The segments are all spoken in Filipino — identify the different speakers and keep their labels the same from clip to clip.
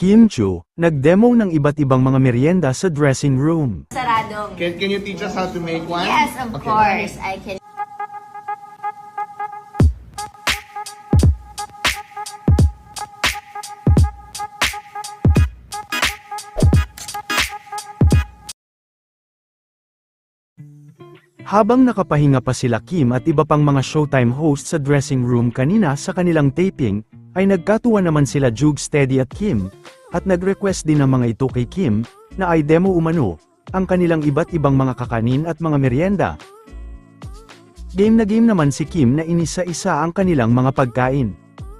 Speaker 1: Kim Chu, nag-demo ng iba't ibang mga merienda sa dressing room.
Speaker 2: Saradong.
Speaker 3: Can you teach us how to make one?
Speaker 2: Yes, of
Speaker 3: Okay.
Speaker 2: course. I can.
Speaker 1: Habang nakapahinga pa sila Kim at iba pang mga Showtime host sa dressing room kanina sa kanilang taping, ay nagkatuwa naman sila Jug Steady at Kim, at nag-request din ng mga ito kay Kim, na ay demo umano, ang kanilang iba't ibang mga kakanin at mga merienda. Game na game naman si Kim na inisa-isa ang kanilang mga pagkain.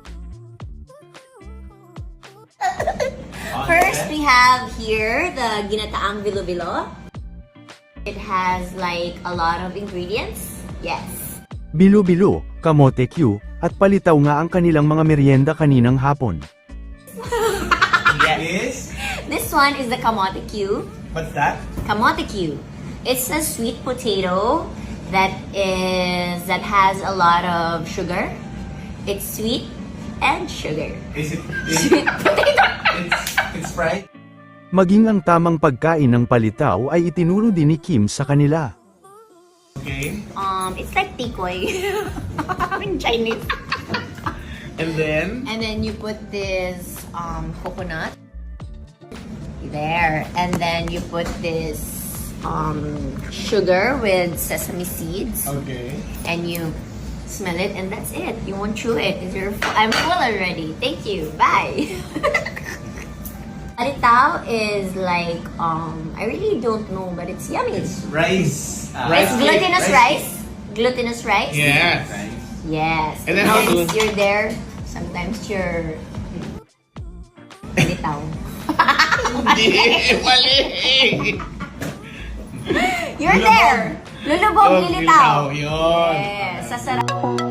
Speaker 2: First, we have here the ginataang bilo-bilo. It has like a lot of ingredients. Yes.
Speaker 1: Bilo-bilo, kamote Q, at palitaw nga ang kanilang mga merienda kaninang hapon.
Speaker 3: Yes.
Speaker 2: This one is the kamote Q.
Speaker 3: What's that?
Speaker 2: Kamote Q. It's a sweet potato that has a lot of sugar. It's sweet and sugar.
Speaker 3: Is it?
Speaker 2: Sweet potato.
Speaker 3: It's fried.
Speaker 1: Maging ang tamang pagkain ng palitaw ay itinuro din ni Kim sa kanila.
Speaker 3: Okay.
Speaker 2: It's like tikoy in Chinese.
Speaker 3: And then.
Speaker 2: And then you put this coconut there, and then you put this sugar with sesame seeds,
Speaker 3: Okay.
Speaker 2: and you smell it, and that's it. You won't chew it. I'm full already. Thank you. Bye. Palitaw is like I really don't know, but it's yummy.
Speaker 3: It's rice.
Speaker 2: It's glutinous rice. Glutinous rice.
Speaker 3: Yes.
Speaker 2: Yes.
Speaker 3: And then how
Speaker 2: Sometimes
Speaker 3: to-
Speaker 2: you're there. Sometimes you're palitaw.
Speaker 3: Hindi. Mali.
Speaker 2: You're there. Lulubog,
Speaker 3: Oh,
Speaker 2: lilitaw.
Speaker 3: lilitaw, yun.
Speaker 2: Yes. Sasarap.